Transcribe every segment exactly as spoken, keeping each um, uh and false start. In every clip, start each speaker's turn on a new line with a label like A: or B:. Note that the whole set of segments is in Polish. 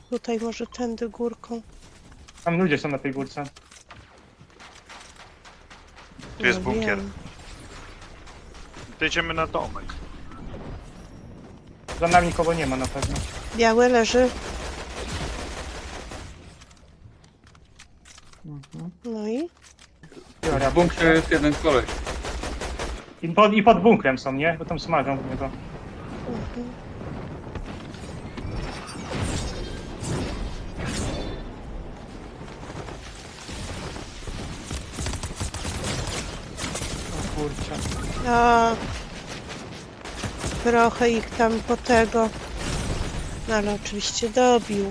A: Tutaj może tędy górką.
B: Tam ludzie są na tej górce.
C: Tu jest
A: No
C: bunkier.
A: wiem.
C: To idziemy na domek.
B: Za nami nikogo nie ma na pewno.
A: Biały leży.
B: Mhm.
A: No i?
B: Biorę
D: W bunkrze jest jeden koleś.
B: I pod, I pod bunkrem są, nie? Bo tam smażą w niego.
A: Mhm.
B: O kurczę.
A: A, trochę ich tam po tego. No ale oczywiście dobił.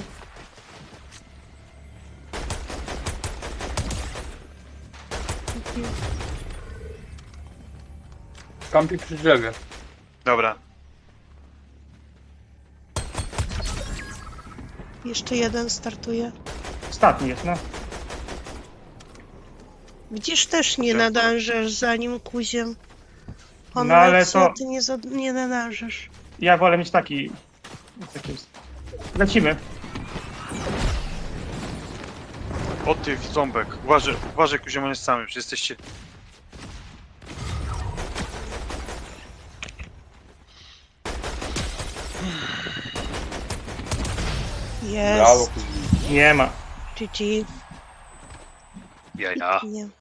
D: Kampi przy drzewie.
C: Dobra.
A: Jeszcze jeden startuje.
B: Ostatni jest, no.
A: Widzisz, też nie
C: Dziękuję.
A: nadążasz za nim kuziem. On
B: No, ale
A: lecnie,
B: to-
A: a ty nie, za, nie nadążasz.
B: Ja wolę mieć taki... taki jest. Lecimy.
C: O ty, ząbek. Uważaj, uważaj, Kuziem, on jest samy. Przecież jesteście...
D: Brawo,
A: Jest.
D: kuźni.
B: Nie ma.
A: G G.
C: Jaja.
A: Nie.